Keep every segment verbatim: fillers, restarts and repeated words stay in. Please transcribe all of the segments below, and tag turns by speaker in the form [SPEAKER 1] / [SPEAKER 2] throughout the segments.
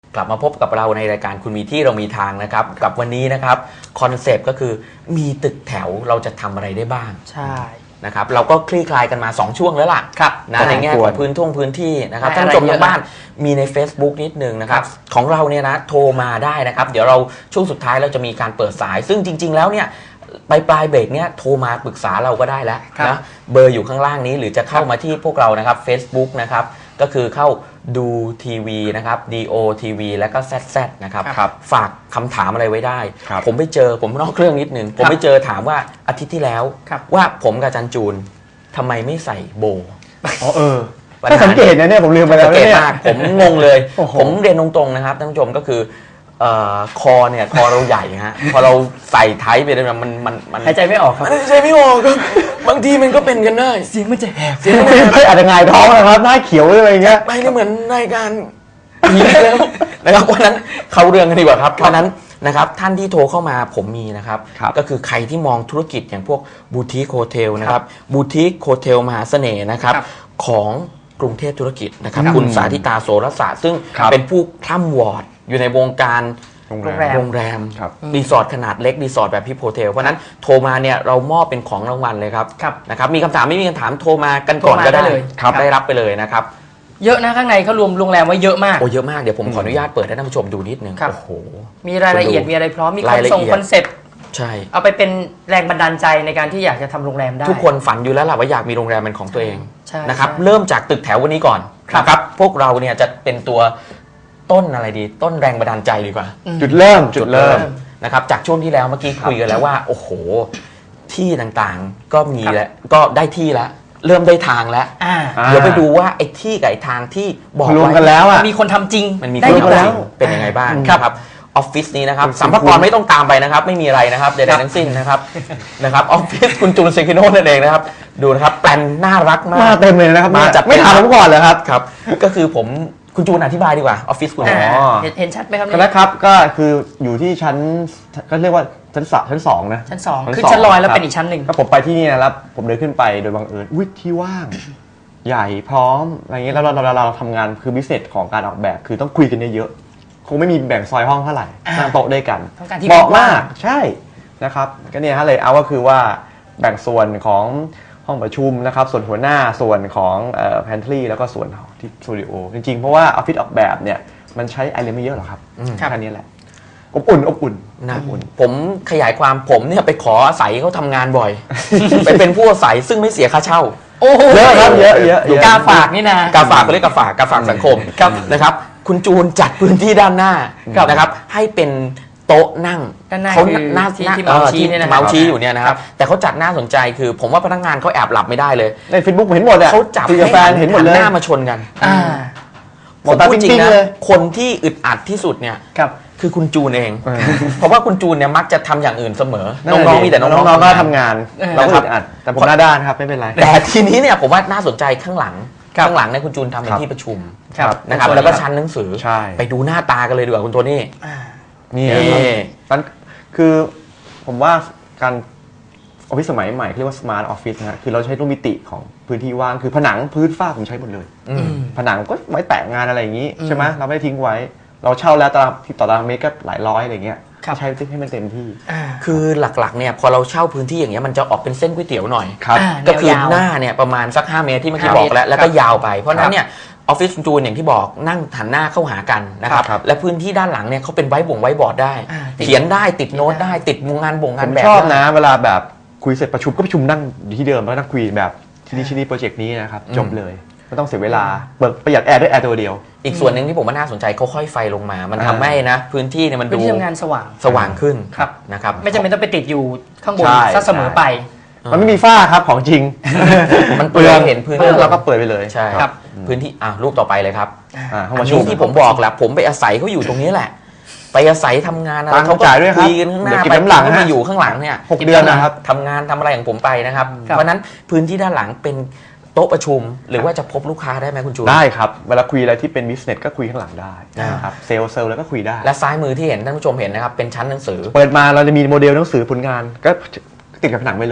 [SPEAKER 1] กลับมาพบกับเราในรายการคุณมีที่เรามีทางนะครับกับวันนี้นะครับคอนเซปต์ก็คือมีตึกแถวเราจะทำอะไรได้บ้าง
[SPEAKER 2] ใช่
[SPEAKER 1] นะครับเราก็คลี่คลายกันมาสองช่วงแล้วล่ะนะในแง่ของพื้นท่งพื้นที่นะครับท่านผู้ชมทางบ้านมีใน Facebook นิดนึงนะครับของเราเนี่ยนะโทรมาได้นะครับเดี๋ยวเราช่วงสุดท้ายเราจะมีการเปิดสายซึ่งจริงๆแล้วเนี่ยปลายปลายเบรกเนี่ยโทรมาปรึกษาเราก็ได้แล้วนะเบอร์อยู่ข้างล่างนี้หรือจะเข้ามาที่พวกเรานะครับ Facebook นะครับก็คือเข้าดูทีวีนะครับ ดี โอ ที วี แล้วก็ แซด แซด นะครับฝากคำถามอะไรไว้ได้ผมไปเจอผมนอกเรื่องนิดนึงผมไปเจอถามว่าอาทิตย์ที่แล้วว่าผมกับจันจูนทำไมไม่ใส่โบ
[SPEAKER 3] อ๋อเออถ้าสังเกตนะเนี่ยผมลืมไปแล้วเนี่ย
[SPEAKER 1] ผมงงเลยผมเรียนตรงๆนะครับท่านผู้ชมก็คือคอเนี่ยคอเราใหญ่ฮะพอเราใส่ไทป์ไปเนี่ยมันมันมัน
[SPEAKER 2] หายใจไม่ออกครับ
[SPEAKER 1] หายใจไม่ออกครับบางทีมันก็เป็นกันได้
[SPEAKER 2] เสียงมันจะแหบ
[SPEAKER 3] เสียงไม่อาจจะงายท้องนะครับหน้าเขียวอะไรเงี้ย
[SPEAKER 1] ไม่ได้เหมือนรายการนี้แล้วนะครับวันนั้นเขาเรื่องกันดีกว่าครับเพราะนั้นนะครับท่านที่โทรเข้ามาผมมีนะครับก็คือใครที่มองธุรกิจอย่างพวกบูติคโฮเทลนะครับบูติคโฮเทลมหาเสน่ห์นะครับของกรุงเทพธุรกิจนะครับคุณสาธิตาโสรศาสตร์ซึ่งเป็นผู้คล่ำวอร์ดอยู่ในวงการ
[SPEAKER 2] โรงแรม
[SPEAKER 1] โรงแรมรีสอร์ทขนาดเล็กรีสอร์ทแบบพิพโฮเทลเพราะนั้นโทรมาเนี่ยเรามอบเป็นของรางวัลเลยครับนะครับมีคำถามไม่มีคำถามโทรมากันก่อนก็ได้เลยได้รับไปเลยนะครับ
[SPEAKER 2] เยอะนะข้างในเขารวมโรงแรมไว้เยอะมาก
[SPEAKER 1] โอ้เยอะมากเดี๋ยวผมขออนุญาตเปิดให้ท่านผู้ชมดูนิดนึงโอ้โห
[SPEAKER 2] มีรายละเอียดมีอะไรพร้อมมีคอนส่งคอนเซ็ปต์
[SPEAKER 1] ใช่
[SPEAKER 2] เอาไปเป็นแรงบันดาลใจในการที่อยากจะทำโรงแรมได้
[SPEAKER 1] ทุกคนฝันอยู่แล้วล่ะว่าอยากมีโรงแรมเป็นของตัวเองนะครับเริ่มจากตึกแถววันนี้ก่อนนะครับพวกเราเนี่ยจะเป็นตัวต้นอะไรดีต้นแรงบันดาลใจดีกว่า
[SPEAKER 3] จุดเริ่มจุดเริ่ม
[SPEAKER 1] นะครับจากช่วงที่แล้วเมื่อกี้คุยกันแล้วว่าโอ้โหที่ต่างๆก็มีแล้วก็ได้ที่แล้วเริ่มได้ทางแล้วเดี๋ยวไปดูว่าไอ้ที่กับไอ้ทางที่บอก
[SPEAKER 3] รวมกันแล้วอ่ะ
[SPEAKER 2] มีคนทำจริง
[SPEAKER 1] มันมีคนทำจริงเป็นยังไงบ้างครับออฟฟิศนี้นะครับสัมภาระไม่ต้องตามไปนะครับไม่มีอะไรนะครับใดๆทั้งสิ้นนะครับนะครับออฟฟิศคุณจูนเซคิโน่นั่นเองนะครับดูนะครับแปลนน่ารักมาก
[SPEAKER 3] มาเต็มเลยนะครับ
[SPEAKER 1] มาจัด
[SPEAKER 3] ไม่ถามผมก่อนเลยครับ
[SPEAKER 1] ครับก็คือผมคุณจูนอธิบายดีกว่าออฟฟิศคุณ
[SPEAKER 2] อ๋อเห็นชัดไหมครับ
[SPEAKER 3] ก็แล้วครับก็คืออยู่ที่ชั้นก็เรียกว่าชั้นสามชั้นสองนะ
[SPEAKER 2] ชั้นสองคือชั้นลอยแล้วเป็นอีกชั้นหนึ่ง
[SPEAKER 3] ก็ผมไปที่นี่นะครับผมเดินขึ้นไปโดยบังเอิญอุ้ยที่ว่างใหญ่พร้อมอะไรเงี้ยแล้วเราเราเราทำงานคือบิสเนสของการออกแบบคือต้องคุยกันเยอะๆคงไม่มีแบ่งซอยห้องเท่าไหร่นั่งโต๊ะด้วยกันเหมาะมากใช่นะครับก็เนี่ยฮะเลยเอาก็คือว่าแบ่งส่วนของห้องประชุมนะครับส่วนหัวหน้าส่วนของเอ่อ pantry แล้วก็ส่วนที่สตูดิโอจริงๆเพราะว่าออฟฟิศออกแบบเนี่ยมันใช้ไอเลนไม่เยอะหรอกครับแค่นี้แหละอบอุ่นอบอุ่น
[SPEAKER 1] นะผมขยายความผมเนี่ยไปขออาศัยเขาทำงานบ่อยไปเป็นผู้อาศัยซึ่งไม่เสียค่าเช่า
[SPEAKER 3] เยอะครับเยอะเยอะ
[SPEAKER 2] กาฝากนี่นะ
[SPEAKER 1] กาฝากเขาเรียกกาฝากกาฝากสังคมนะครับคุณจูนจัดพื้นที่ด้านหน้านะครับให้เป็นโต๊ะนั่ง
[SPEAKER 2] เขาหน้าที่เมาชี้เนี่ยนะ
[SPEAKER 1] เมาชี้อยู่เนี่ยนะครับแต่เขาจัดน่าสนใจคือผมว่าพนักงานเขาแอบหลับไม่ได้เลย
[SPEAKER 3] ใน Facebook เห็นหมดเลย
[SPEAKER 1] เขาจับให้
[SPEAKER 3] แฟนเห็นหมดเลย
[SPEAKER 1] หน้ามาชนกันผมพูดจริงนะคนที่อึดอัดที่สุดเนี่ยคือคุณจูนเองเพราะว่าคุณจูนเนี่ยมักจะทำอย่างอื่นเสมอน้องๆมีแต่น้อง
[SPEAKER 3] ๆก็ทำงานเราอึดอัดแต่ผมหน้าด้านครับไม่เป็นไร
[SPEAKER 1] แต่ทีนี้เนี่ยผมว่าน่าสนใจข้างหลังข้างหลังเนี่ยคุณจูนทำเป็นที่ประชุมนะครับแล้วก็ชั้นหนังสือไปดูหน้าตากันเลยดีกว่าคุณโทนี่
[SPEAKER 3] นี่นั่นคือผมว่าการออฟฟิศสมัยใหม่เรียกว่า smart office นะคือเราใช้รูปมิติของพื้นที่ว่างคือผนังพื้นฝ้าผมใช้หมดเลยผนังก็ไว้แปะงานอะไรอย่างนี้ใช่ไหมเราไม่ได้ทิ้งไว้เราเช่าแล้วตารางต่อตารางเมตรก็หลายร้อยอะไรเงี้ยใช้ให้มันเต็มที่
[SPEAKER 1] คือหลักๆเนี่ยพอเราเช่าพื้นที่อย่างเงี้ยมันจะออกเป็นเส้นก๋วยเตี๋ยวหน่อยก็คือหน้าเนี่ยประมาณสักห้าเมตรที่เมื่อกี้บอกแล้วแล้วก็ยาวไปเพราะนั้นเนี่ยออฟฟิศจูนอย่างที่บอกนั่งหันหน้าเข้าหากันนะครับและพื้นที่ด้านหลังเนี่ยเขาเป็นไว้บ่งไว้บอร์ดได้เขียนได้ติดโน้ตได้ติดงานบ่งงานแบบ
[SPEAKER 3] ชอบนะเวลาแบบคุยเสร็จประชุมก็ประชุมนั่งที่เดิมแล้วนั่งคุยแบบที่นี่ที่นี่โปรเจกต์นี้นะครับจบเลยไม่ต้องเสียเวลาเปิดประหยัดแอร์ด้วยแอร์ตัวเดียว
[SPEAKER 1] อีกส่วนหนึ่งที่ผมว่าน่าสนใจเขาค่อยไฟลงมามันทำให้นะพื้นที่เนี่ยมันดู
[SPEAKER 2] พื้นที่ทำงานสว่าง
[SPEAKER 1] สว่างขึ้นนะครับ
[SPEAKER 2] ไม่จำเป็นต้องไปติดอยู่ข้างบนซะเสมอไป
[SPEAKER 3] มันไม่มีฝ้าครับของจริง
[SPEAKER 1] มันเปลือยเห็นพื้น
[SPEAKER 3] เราก็เปิดไปเลย
[SPEAKER 1] ใช่ครับพื้นที่อ่ะรูปต่อไปเลยครับห้องประชุมที่ผมบอกแหละผมไปอาศัยเขาอยู่ตรงนี้แหละไปอาศัยทำงานอะไร
[SPEAKER 3] เขาก็คุ
[SPEAKER 1] ยกันข้างหน้าไป
[SPEAKER 3] หลัง
[SPEAKER 1] มาอยู่ข้างหลังเนี่ย
[SPEAKER 3] หกเดือนนะครับ
[SPEAKER 1] ทำงานทำอะไรของผมไปนะครับเพราะนั้นพื้นที่ด้านหลังเป็นโต๊ะประชุมหรือว่าจะพบลูกค้าได้ไหมคุณจูน
[SPEAKER 3] ได้ครับเวลาคุยอะไรที่เป็นบิสเนสก็คุยข้างหลังได้นะครับเซลล์เซลล์แล้วก็คุยได้
[SPEAKER 1] และซ้ายมือที่เห็นท่านผู้ชมเห็นนะครับเป็นชั้นหนังสือ
[SPEAKER 3] เปิดมาเราจะมีโมเดลหนังสือผลงานก็ติดกับผนังไปเลย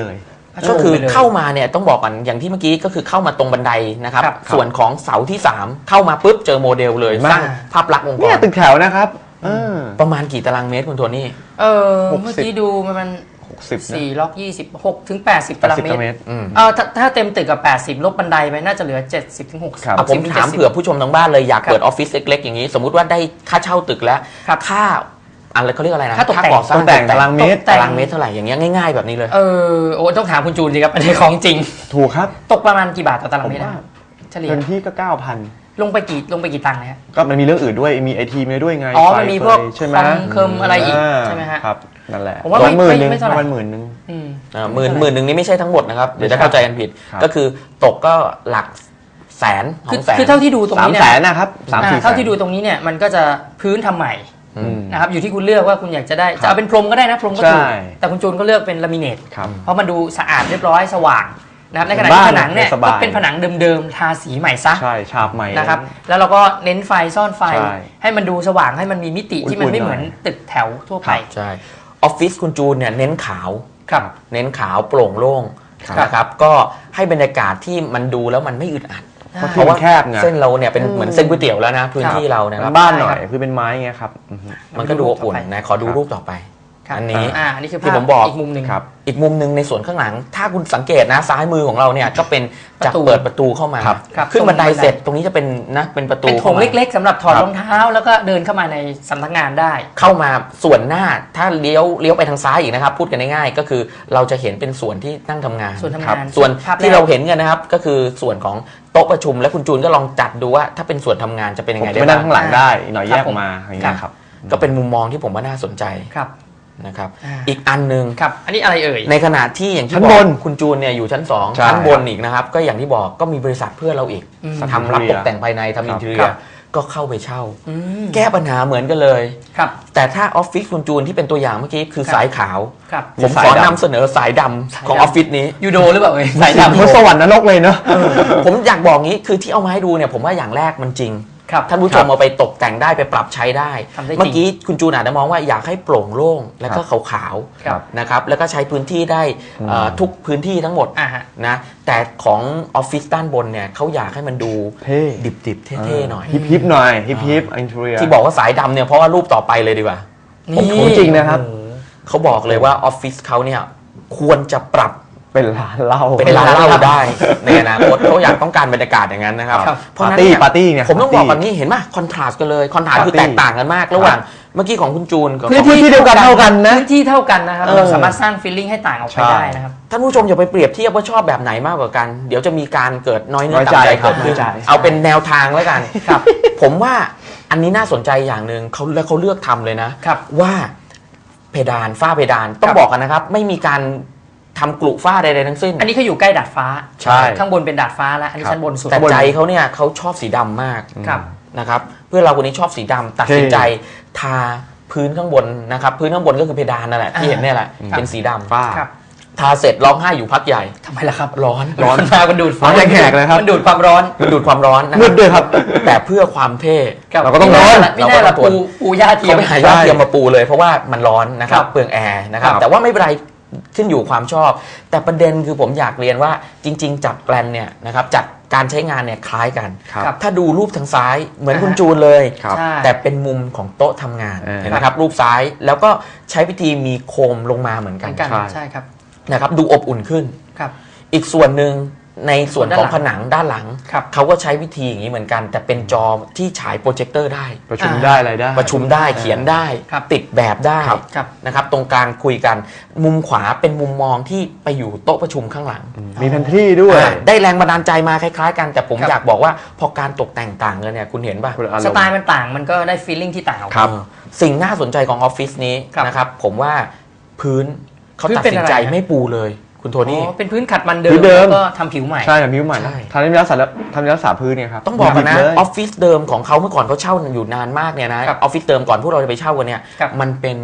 [SPEAKER 1] ก็คือเข้ามาเนี่ยต้องบอกกันอย่างที่เมื่อกี้ก็คือเข้ามาตรงบันไดนะครับส่วนของเสาที่สามเข้ามาปุ๊บเจอโมเดลเลยสร้างภาพลักษณ์องค์กร
[SPEAKER 3] เนี่ยตึกแถวนะครับ
[SPEAKER 1] ประมาณกี่ตารางเมตรคุณโทนี่
[SPEAKER 2] เออเมื่อกี้ดูมันสี่ล็อกยี่สิบหกถึงแปดสิบตารางเมตรเออถ้าเต็มตึกกับแปดสิบลบบันไดไปน่าจะเหลือเจ็ดสิบถึงหกสิบ
[SPEAKER 1] ผมถามเผื่อผู้ชมทางบ้านเลยอยากเปิดออฟฟิศเล็กๆอย่างนี้สมมุติว่าได้ค่าเช่าตึกแล้วค่าอะไรเขาเรียกอะไรนะ
[SPEAKER 2] ค่าตก
[SPEAKER 3] แต่งตารางเมตร
[SPEAKER 1] ตารางเมตรเท่าไหร่อย่างเงี้ยง่ายๆแบบนี้เลย
[SPEAKER 2] เออโอ้ต้องถามคุณจูนสิครับอันนี้ของจริง
[SPEAKER 3] ถูกครับ
[SPEAKER 2] ตกประมาณกี่บาทต่อตารางเมตรเฉลี่ย
[SPEAKER 3] เงินที่ก็เก้าพัน
[SPEAKER 2] ลงไปกี่ลงไปกี่ตังค์นะฮะ
[SPEAKER 3] ก็มันมีเรื่องอื่นด้วยมีไอทีมีด้วยไง
[SPEAKER 2] อ๋อมันมีพวก
[SPEAKER 3] ใช่ไหม
[SPEAKER 2] เคิมอะไรอีกใช่ไหมฮะ
[SPEAKER 3] ครับนั่นแหละ
[SPEAKER 2] ผมว่าไม่
[SPEAKER 3] หมื่นหนึ่ง
[SPEAKER 2] ประ
[SPEAKER 3] มาณหมื่นหนึ่ง
[SPEAKER 1] หมื่นหมื่นหนึ่งนี่ไม่ใช่ทั้งหมดนะครับเดี๋ยวจะเข้าใจกันผิดก็คือตกก็หลักแสนของแสน
[SPEAKER 2] คือเท่าที่ดูตรงนี้
[SPEAKER 3] เนี่ยสามแสนนะครับสามสี่
[SPEAKER 2] เท่าที่ดูตรงนี้เนี่ยมันก็จะพื้นทำใหม่นะครับอยู่ที่คุณเลือกว่าคุณอยากจะได้จะเอาเป็นพรมก็ได้นะพรมก็ถูกแต่คุณจูนก็เลือกเป็นลามิเนตเพราะมันดูสะอาดเรียบร้อยสว่างนะครับในขณะที่ผนังเนี่ยก็เป็นผนังเดิมๆทาสีใหม่ซะ
[SPEAKER 3] ใช่ฉาบใหม่
[SPEAKER 2] นะครับแล้วเราก็เน้นไฟซ่อนไฟให้มันดูสว่างให้มันมีมิติที่มันไม่เหมือนตึกแถวทั่วไป
[SPEAKER 1] ใช่ออฟฟิศคุณจูนเนี่ยเน้นขาว
[SPEAKER 2] ครับ
[SPEAKER 1] เน้นขาวโปร่งโล่งนะครับก็ให้บรรยากาศที่มันดูแล้วมันไม่อึดอัดเพราะว่าเส้นเราเนี่ยเป็นเหมือนเส้นก๋วยเตี๋ยวแล้วนะพื้นที่เรานะครับ
[SPEAKER 3] บ้านหน่อยคือเป็นไม้ไงครับ
[SPEAKER 1] มันก็ดูอุ่นนะขอดูรูปต่อไปอันนี้
[SPEAKER 2] ที่
[SPEAKER 1] ผมบอก
[SPEAKER 2] อีกมุมหนึ่ง
[SPEAKER 1] ครับอีกมุมหนึ่งในส่วนข้างหลังถ้าคุณสังเกตนะซ้ายมือของเราเนี่ยก็เป็นจากเปิดประตูเข้ามาขึ้นบันไดเสร็จตรงนี้จะเป็นนะเป็นประตู
[SPEAKER 2] เป็นโถงเล็กๆสำหรับถอดรองเท้าแล้วก็เดินเข้ามาในสำนักงานได้
[SPEAKER 1] เข้ามาส่วนหน้าถ้าเลี้ยวเลี้ยวไปทางซ้ายอีกนะครับพูดกันง่ายๆก็คือเราจะเห็นเป็นส่วนที่นั่งทำงาน
[SPEAKER 2] ส่วนทำงาน
[SPEAKER 1] ส่วนที่เราเห็นกันนะครับก็คือส่วนของโต๊ะประชุมและคุณจูนก็ลองจัดดูว่าถ้าเป็นส่วนทำงานจะเป็นยังไงได้
[SPEAKER 3] บ้างนั่งข้างหลังได้หน่อยแยกมาอย่างเงี้ยครับ
[SPEAKER 1] ก็เป็นมุมมองที่ผมว่าน่าสนใจนะครับอีกอันนึง
[SPEAKER 2] ครับอันนี้อะไรเอ่ย
[SPEAKER 1] ในขณะที่อย่างที่บอกคุณจูนเนี่ยอยู่ชั้นสองชั้นบนอีกนะครับก็อย่างที่บอกก็มีบริษัทเพื่อเราอีกทำรับตกแต่งภายในทำอินเทอร์เนียก็เข้าไปเช่าแก้ปัญหาเหมือนกันเลยแต่ถ้าออฟฟิศคุณจูนที่เป็นตัวอย่างเมื่อกี้คือสายขาวผมขอนำเสนอสายดำของออฟฟิศนี้
[SPEAKER 2] ยูโดหรือเปล่าเอ่ย
[SPEAKER 3] สายดำเหมือนสวรรค์นรกเลยเนาะ
[SPEAKER 1] ผมอยากบอกงี้คือที่เอามาให้ดูเนี่ยผมว่าอย่างแรกมันจริงท่านผู้ชมเอาไปตกแต่งได้ไปปรับใช้ได้เมื่อกี้คุณจูนอาจจะมองว่าอยากให้โปร่งโล่งแล้วก็ขาวๆนะครับแล้วก็ใช้พื้นที่ได้ทุกพื้นที่ทั้งหมดนะแต่ของออฟฟิศด้านบนเนี่ยเขาอยากให้มันดูดิบๆเท่ๆหน่อย
[SPEAKER 3] ฮิปๆหน่อยฮิปๆอินเทอร์เนีย
[SPEAKER 1] ที่บอกว่าสายดำเนี่ยเพราะว่ารูปต่อไปเลยดีกว่า
[SPEAKER 3] นี่จริงนะครับ
[SPEAKER 1] เขาบอกเลยว่าออฟฟิศเขาเนี่ยควรจะปรับ
[SPEAKER 3] เป็นร้านเหล้า
[SPEAKER 1] เป็นร้านเหล้าได้ในอนาคตเขาอยากต้องการบรรยากาศอย่างนั้นนะครับ
[SPEAKER 3] ปาร์ตี้ปาร์ตี้เนี่ย
[SPEAKER 1] ผมต้องบอกแบบนี้เห็นไหมคอนทราสต์กันเลยคอนทราสต์คือแตกต่างกันมากระหว่างเมื่อกี้ของคุณจูนกับ
[SPEAKER 3] พื้นที่เดียวกันเท่ากันนะ
[SPEAKER 2] พื้นที่เท่ากันนะครับเราสามารถสร้างฟีลลิ่งให้ต่างออกไปได้นะครับ
[SPEAKER 1] ท่านผู้ชมอย่าไปเปรียบเทียบว่าชอบแบบไหนมากกว่ากันเดี๋ยวจะมีการเกิดน้อยเนื้อต่ำใจเกิดขึ้นเอาเป็นแนวทางแล้วกันผมว่าอันนี้น่าสนใจอย่างหนึ่งเขาแล้วเขาเลือกทำเลยนะว่าเพดานฝ้าเพดานต้องบอกกันนะครับไม่มีการทำกลุฝ้าใดๆทั้งสิ้น
[SPEAKER 2] อันนี้เขาอยู่ใกล้ดาดฟ้า
[SPEAKER 1] ใช่
[SPEAKER 2] ข้างบนเป็นดาดฟ้าแล้วอันนี้ชั้นบนสุด
[SPEAKER 1] แต่ใจเขาเนี่ยเขาชอบสีดำมากนะครับเพื่อนเราคนนี้ชอบสีดำตัดสินใจทาพื้นข้างบนนะครับพื้นข้างบนก็คือเพดานนั่นแหละที่เห็นเนี่ยแหละเป็นสีดำฝ้าทาเสร็จร้องไห้อยู่พักใหญ่
[SPEAKER 2] ทำไมล่ะครับ
[SPEAKER 1] ร้อน
[SPEAKER 2] ร้อนมามันดูด
[SPEAKER 3] ร้อนแขกเลยครับ
[SPEAKER 2] มันดูดความร้อน
[SPEAKER 1] มันดูดความร้อน
[SPEAKER 3] มืดด้วยครับ
[SPEAKER 1] แต่เพื่อความเท่
[SPEAKER 3] เราก็ต้องร้อน
[SPEAKER 2] ไม่ได้ละปูปูหญ้าเทียม
[SPEAKER 1] ไม่หายหญ้าเทียมมาปูเลยเพราะว่ามันร้อนนะครับเปลืองแอร์นะครับแต่ว่าไม่เป็นไรขึ้นอยู่ความชอบแต่ประเด็นคือผมอยากเรียนว่าจริงๆจัดแปลนเนี่ยนะครับจัดการใช้งานเนี่ยคล้ายกันถ้าดูรูปทางซ้ายเหมือนคุณจูนเลยแต่เป็นมุมของโต๊ะทำงานเห็นไหมครับรูปซ้ายแล้วก็ใช้วิธีมีโคมลงมาเหมือนกัน
[SPEAKER 2] ใช่ครับ
[SPEAKER 1] นะครับดูอบอุ่นขึ้นอีกส่วนหนึ่งในส่วนของผนังด้านหลังเขาก็ใช้วิธีอย่างนี้เหมือนกันแต่เป็นจอที่ฉายโปรเจคเตอร์ได้
[SPEAKER 3] ประชุมได้อะไรได้
[SPEAKER 1] ประชุมได้เขียนได้ติดแบบได้นะครับตรงกลางคุยกันมุมขวาเป็นมุมมองที่ไปอยู่โต๊ะประชุมข้างหลัง
[SPEAKER 3] มีแพนทรีด้วย
[SPEAKER 1] ได้แรงบันดาลใจมาคล้ายๆกันแต่ผมอยากบอกว่าพอการตกแต่งต่างกันเนี่ยคุณเห็นป่ะ
[SPEAKER 2] สไตล์มันต่างมันก็ได้ฟีลลิ่งที่ต่างออก
[SPEAKER 1] ไปสิ่งน่าสนใจของออฟฟิศนี้นะครับผมว่าพื้นเขาตัดสินใจไม่ปูเลยคุณโทนี่
[SPEAKER 2] เป็นพื้นขัดมันเดิมแล้วก็ทำผิวใหม่
[SPEAKER 3] ใช่ทำผิวใหม่ทำนิรักษาทำนิรักษาพื้นเนี่ยครับ
[SPEAKER 1] ต้องบอกกันนะออฟฟิศเดิมของเขาเมื่อก่อนเขาเช่าอยู่นานมากเนี่ยนะออฟฟิศเดิมก่อนพวกเราจะไปเช่ากันเนี่ยมันเป็น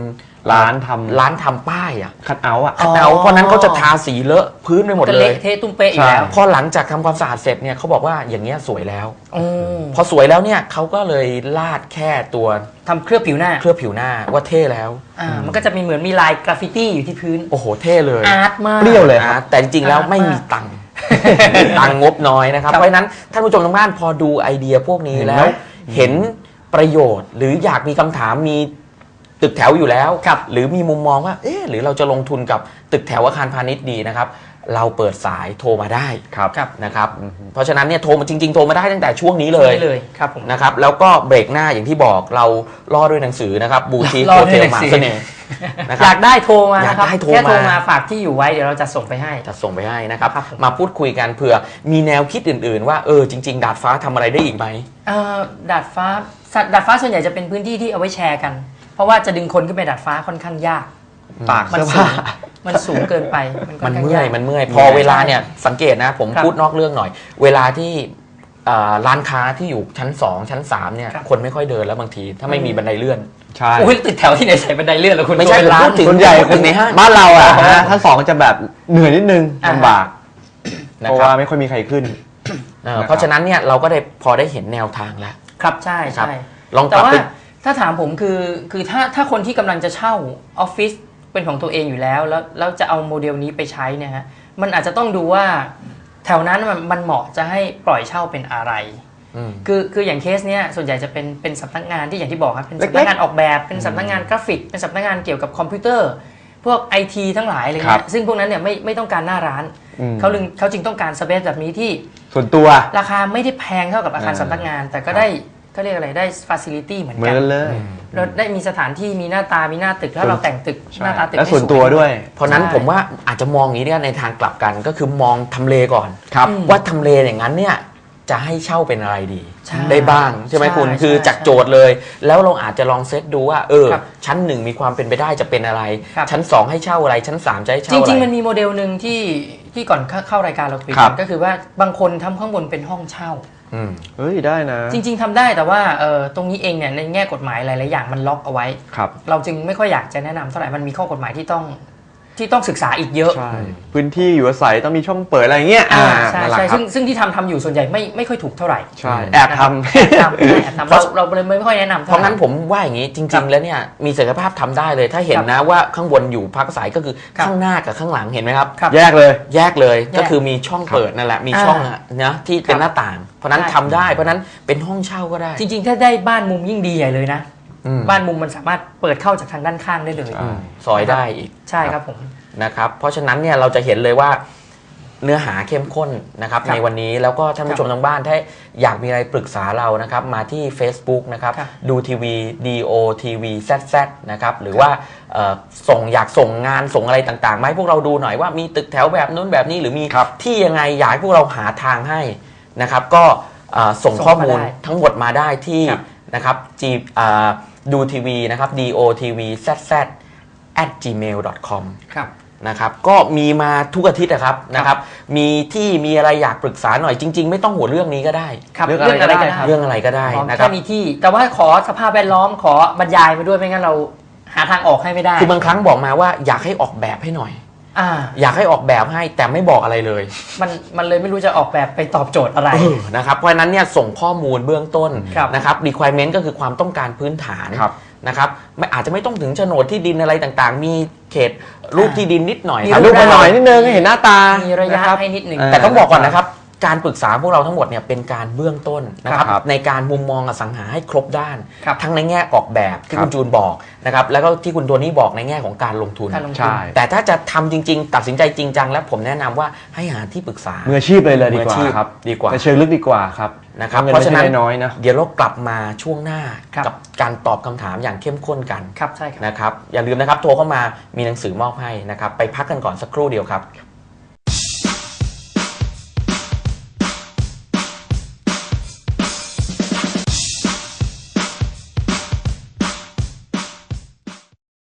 [SPEAKER 3] ร้านทำ
[SPEAKER 1] ร้านทำป้ายอ่ะ
[SPEAKER 3] คัทเอาท์อ่ะ
[SPEAKER 1] คัทเอาท์เพราะนั้นเขาจะทาสีเลอะพื้นไปหมดเลย
[SPEAKER 2] เทตุ้มเป๊ะอยู่แล้ว
[SPEAKER 1] พอหลังจากทำความสะอาดเสร็จเนี่ยเขาบอกว่าอย่างเงี้ยสวยแล้วพอสวยแล้วเนี่ยเขาก็เลยลาดแค่ตัว
[SPEAKER 2] ทำเคลือบผิวหน้า
[SPEAKER 1] เคลือบผิวหน้าว่าเท่แล้ว
[SPEAKER 2] อ่ามันก็จะมีเหมือนมีลายกราฟฟิตี้อยู่ที่พื้น
[SPEAKER 1] โอ้โหเท่เลย
[SPEAKER 2] อาร์ตมาก
[SPEAKER 3] เปรี้ยวเลยครับ
[SPEAKER 1] แต่จริงๆแล้วไม่มีตังค์ตังค์งบน้อยนะครับเพราะฉะนั้นท่านผู้ชมทางบ้านพอดูไอเดียพวกนี้แล้วเห็นประโยชน์หรืออยากมีคำถามมีตึกแถวอยู่แล้วหรือมีมุมมองว่าเอ๊ะหรือเราจะลงทุนกับตึกแถวอาคารพาณิชย์ดีนะครับเราเปิดสายโทรมาได้นะครับเพราะฉะนั้นเนี่ยโทรมาจริงๆโทรมาได้ตั้งแต่ช่วงนี้เลยนะครับแล้วก็เบรกหน้าอย่างที่บอกเราล่อด้วยหนังสือนะครับบูติกโฮเทลหมาเสน่ห์
[SPEAKER 2] อยากได้โทรมานะครับแค่โทรมาฝากที่อยู่ไว้เดี๋ยวเราจะส่งไปให้
[SPEAKER 1] จะส่งไปให้นะครับมาพูดคุยกันเผื่อมีแนวคิดอื่นๆว่าเออจริงๆดาดฟ้าทำอะไรได้อีกไหม
[SPEAKER 2] ดาดฟ้าดาดฟ้าส่วนใหญ่จะเป็นพื้นที่ที่เอาไว้แชร์กันเพราะว่าจะดึงคนขึ้นไปดาดฟ้าค่อนข้างยาก
[SPEAKER 3] ปาก
[SPEAKER 2] มันสูงมันสูงเกินไป
[SPEAKER 1] มันเมื่อยมันเมื่อยพอเวลาเนี่ยสังเกตนะผมพูดนอกเรื่องหน่อยเวลาที่ร้านค้าที่อยู่ชั้นสองชั้นสามเนี่ยคนไม่ค่อยเดินแล้วบางทีถ้าไม่มีบันไดเลื่อน
[SPEAKER 3] ใช่
[SPEAKER 2] อุ้ยติดแถวที่ไหนใส่บันไดเลื่อนแล้วคุณ
[SPEAKER 1] ไม่ใช่ร้าน
[SPEAKER 3] ส่วนใหญ่คนในห้างบ้านเราอ่ะชั้นสองจะแบบเหนื่อยนิดนึงลำบากเพราะว่าไม่ค่อยมีใครขึ้น
[SPEAKER 1] เพราะฉะนั้นเนี่ยเราก็ได้พอได้เห็นแนวทางแล้ว
[SPEAKER 2] ครับใช่ใช่
[SPEAKER 1] ลอง
[SPEAKER 2] แต่ว่าถ้าถามผมคือคือถ้าถ้าคนที่กำลังจะเช่าออฟฟิศเป็นของตัวเองอยู่แล้วแล้วแล้วจะเอาโมเดลนี้ไปใช้เนี่ยฮะมันอาจจะต้องดูว่าแถวนั้นมันมันเหมาะจะให้ปล่อยเช่าเป็นอะไรคือคืออย่างเคสเนี้ยส่วนใหญ่จะเป็นเป็นสำนักงานที่อย่างที่บอกครับเป็นสำนักงานออกแบบเป็นสำนักงานกราฟิกเป็นสำนักงานเกี่ยวกับคอมพิวเตอร์พวกไอทีทั้งหลายอะไรเงี้ยซึ่งพวกนั้นเนี่ยไม่ไม่ต้องการหน้าร้านเขาจึงเขาจึงต้องการสเปซแบบนี้ที่
[SPEAKER 3] ส่วนตัว
[SPEAKER 2] ราคาไม่ได้แพงเท่ากับอาคารสำนักงานแต่ก็ได้ก็เรียกอะไรได้ฟาซิลิตี้เหมือนกัน
[SPEAKER 3] เลย
[SPEAKER 2] เราได้มีสถานที่มีหน้าตามีหน้าตึกแล้วเราแต่งตึกหน้าตาตึก
[SPEAKER 3] และส่วนตัวด้วย
[SPEAKER 1] เพราะนั้นผมว่าอาจจะมองอย่างนี้ในทางกลับกันก็คือมองทำเลก่อนว่าทำเลอย่างนั้นเนี่ยจะให้เช่าเป็นอะไรดีได้บ้างใช่ไหมคุณคือจากโจทย์เลยแล้วเราอาจจะลองเซตดูว่าเออชั้นหนึ่งมีความเป็นไปได้จะเป็นอะไรชั้นสองให้เช่าอะไรชั้นสามจะให้เช่าอะไร
[SPEAKER 2] จริงๆมันมีโมเดลหนึ่งที่ที่ก่อนเข้ารายการเราคุยกันก็คือว่าบางคนทำข้างบนเป็นห้องเช่า
[SPEAKER 3] เฮ้ยได้นะ
[SPEAKER 2] จริงๆทำได้แต่ว่าเออตรงนี้เองเนี่ยในแง่กฎหมายหลายๆอย่างมันล็อกเอาไว้เราจึงไม่ค่อยอยากจะแนะนำเท่าไหร่มันมีข้อกฎหมายที่ต้องที่ต้องศึกษาอีกเยอะ
[SPEAKER 3] ใช่พื้นที่อยู่อาศัยต้องมีช่องเปิดอะไรเงี้ย
[SPEAKER 2] ใช่ใช่ซึ่งซึ่งที่ทำทำอยู่ส่วนใหญ่ไม่ไม่ค่อยถูกเท่าไหร่
[SPEAKER 3] ใช่แอบทำ
[SPEAKER 2] แอบทำแอบทำเราเราเลยไม่ค่อยแนะนำ
[SPEAKER 1] เพราะงั้นผมว่าอย่างนี้จริงๆแล้วเนี่ยมีศักยภาพทำได้เลยถ้าเห็นนะว่าข้างบนอยู่พักอาศัยก็คือข้างหน้ากับข้างหลังเห็นไหมครับ
[SPEAKER 3] แยกเลย
[SPEAKER 1] แยกเลยก็คือมีช่องเปิดนั่นแหละมีช่องนะที่เป็นหน้าต่างเพราะนั้นทำได้เพราะนั้นเป็นห้องเช่าก็ได้
[SPEAKER 2] จริงๆถ้าได้บ้านมุมยิ่งดีใหญ่เลยนะบ้านมุมมันสามารถเปิดเข้าจากทางด้านข้างได้เลย
[SPEAKER 1] ซอยได้อีก
[SPEAKER 2] ใช่ครับผม
[SPEAKER 1] นะครับเพราะฉะนั้นเนี่ยเราจะเห็นเลยว่าเนื้อหาเข้มข้นนะครับในวันนี้แล้วก็ท่านผู้ชมทางบ้านถ้าอยากมีอะไรปรึกษาเรานะครับมาที่ Facebook นะครับดูทีวี ดี โอ ที วี แซด แซด นะครับหรือว่าส่งอยากส่งงานส่งอะไรต่างๆมาให้พวกเราดูหน่อยว่ามีตึกแถวแบบนู้นแบบนี้หรือมีที่ยังไงอยากให้พวกเราหาทางให้นะครับก็ส่งข้อมูลทั้งหมดมาได้ที่นะครับจีดูทีวีนะครับ ดี โอ ที วี แซด แซด แอท จีเมล ดอท คอม
[SPEAKER 2] ครับ
[SPEAKER 1] นะครับก็มีมาทุกอาทิตย์นะครับนะครับมีที่มีอะไรอยากปรึกษาหน่อยจริงๆไม่ต้องหัวเรื่องนี้ก็ได้
[SPEAKER 2] เรื่องอะไรก็ได้
[SPEAKER 1] เรื่องอะไรก็ได้นะครับ
[SPEAKER 2] แค่มีที่แต่ว่าขอสภาพแวดล้อมขอบรรยายมาด้วยไม่งั้นเราหาทางออกให้ไม่ได้
[SPEAKER 1] คือบางครั้งบอกมาว่าอยากให้ออกแบบให้หน่อย
[SPEAKER 2] อ่า
[SPEAKER 1] อยากให้ออกแบบให้แต่ไม่บอกอะไรเลย
[SPEAKER 2] มันมันเลยไม่รู้จะออกแบบไปตอบโจทย์อะไร
[SPEAKER 1] นะครับเพราะฉะนั้นเนี่ยส่งข้อมูลเบื้องต้นนะครับ requirement ก็คือความต้องการพื้นฐานนะครับไม่อาจจะไม่ต้องถึงโฉนดที่ดินอะไรต่างๆมีเขตรูปที่ดินนิดหน่อย
[SPEAKER 3] รูปมาหน่อยนิดนึงให้เห็นหน้าตา
[SPEAKER 2] มีระยะให้นิดหนึ่ง
[SPEAKER 1] แต่ต้องบอกก่อนนะครับการปรึกษาพวกเราทั้งหมดเนี่ยเป็นการเบื้องต้นนะครับในการมุมมองอสังหาให้ครบด้านทั้งในแง่ออกแบบที่คุณจูนบอกนะครับแล้วก็ที่คุณโทนี่บอกในแง่ของการลงทุนแต่ถ้าจะทำจริงๆตัดสินใจจริงจังแล้วผมแนะนำว่าให้หาที่ปรึกษา
[SPEAKER 3] มืออาชีพเลยเลยดีกว่าครับ
[SPEAKER 1] ดีกว่า
[SPEAKER 3] เชิงลึกดีกว่าครับ
[SPEAKER 1] นะครับเพราะฉะนั้นน้อยนะเดี๋ยวเรากลับมาช่วงหน้ากับการตอบคำถามอย่างเข้มข้นกัน
[SPEAKER 2] ครับใช่ครับ
[SPEAKER 1] นะครับอย่าลืมนะครับโทรเข้ามามีหนังสือมอบให้นะครับไปพักกันก่อนสักครู่เดียวครับ